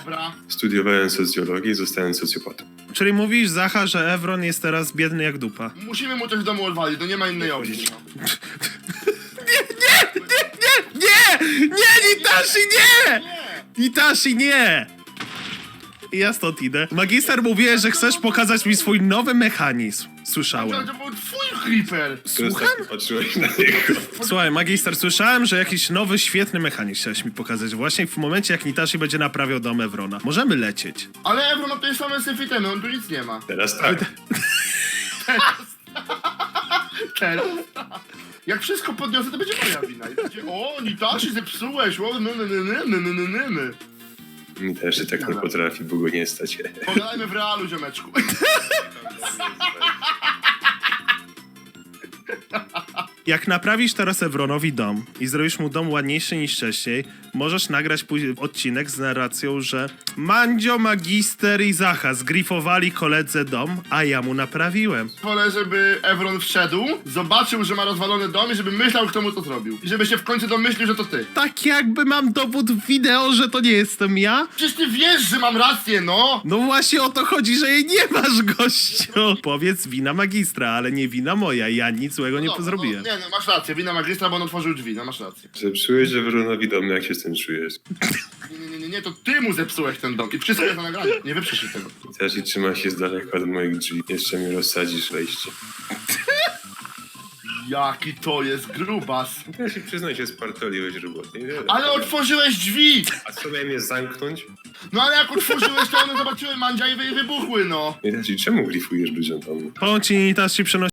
Dobra. Studiowałem socjologię i zostałem socjopatą. Czyli mówisz, Zacha, że Evron jest teraz biedny jak dupa. Musimy mu coś w domu odwalić, to nie ma innej opcji. No. Nie, Nitashi, nie! Nie! Itachi, nie! Ja stąd idę. Magister mówiłeś, że chcesz pokazać mi swój nowy mechanizm. Słyszałem. To był twój creeper! Słucham? Patrzyłeś na niego. Słuchaj, magister, słyszałem, że jakiś nowy, świetny mechanizm chciałeś mi pokazać. Właśnie w momencie, jak Nitashi będzie naprawiał dom Evrona. Możemy lecieć. Ale Evron ma tutaj same syfitemy, on tu nic nie ma. Teraz tak. Teraz. Jak wszystko podniosę, to będzie moja wina. I będzie, o, Nitashi zepsułeś, o, Mi też się tak nie potrafi, bo go nie stać. Pogadajmy w realu, ziomeczku. Jak naprawisz teraz Evronowi dom i zrobisz mu dom ładniejszy niż wcześniej, możesz nagrać później odcinek z narracją, że Mandzio, Magister i Zacha zgrifowali koledze dom, a ja mu naprawiłem. Wolę, żeby Evron wszedł, zobaczył, że ma rozwalony dom i żeby myślał, kto mu to zrobił. I żeby się w końcu domyślił, że to ty. Tak jakby mam dowód wideo, że to nie jestem ja? Przecież ty wiesz, że mam rację, no! No właśnie o to chodzi, że jej nie masz, gościu. Powiedz wina magistra, ale nie wina moja, ja nic złego nie Dobra, zrobiłem. No, nie, no masz rację, wina magistra, bo on otworzył drzwi, no masz rację. Zepsułeś Ewronowi dom, jak się z tym czujesz? Nie, to ty mu zepsułeś ten dom i wszystko jest na nagraniu, nie wyprzesz się tego. Teraz i trzyma się z daleka od moich drzwi. Jeszcze mi rozsadzisz wejście. Jaki to jest grubas. Teraz się przyznaj, że spartoliłeś robotę. Ale otworzyłeś drzwi! A co miałem je zamknąć? No ale jak otworzyłeś, to one zobaczyły mandzia i wybuchły, no. I teraz i czemu glifujesz ludziom domu? Powiem ci, Nitashi przenosi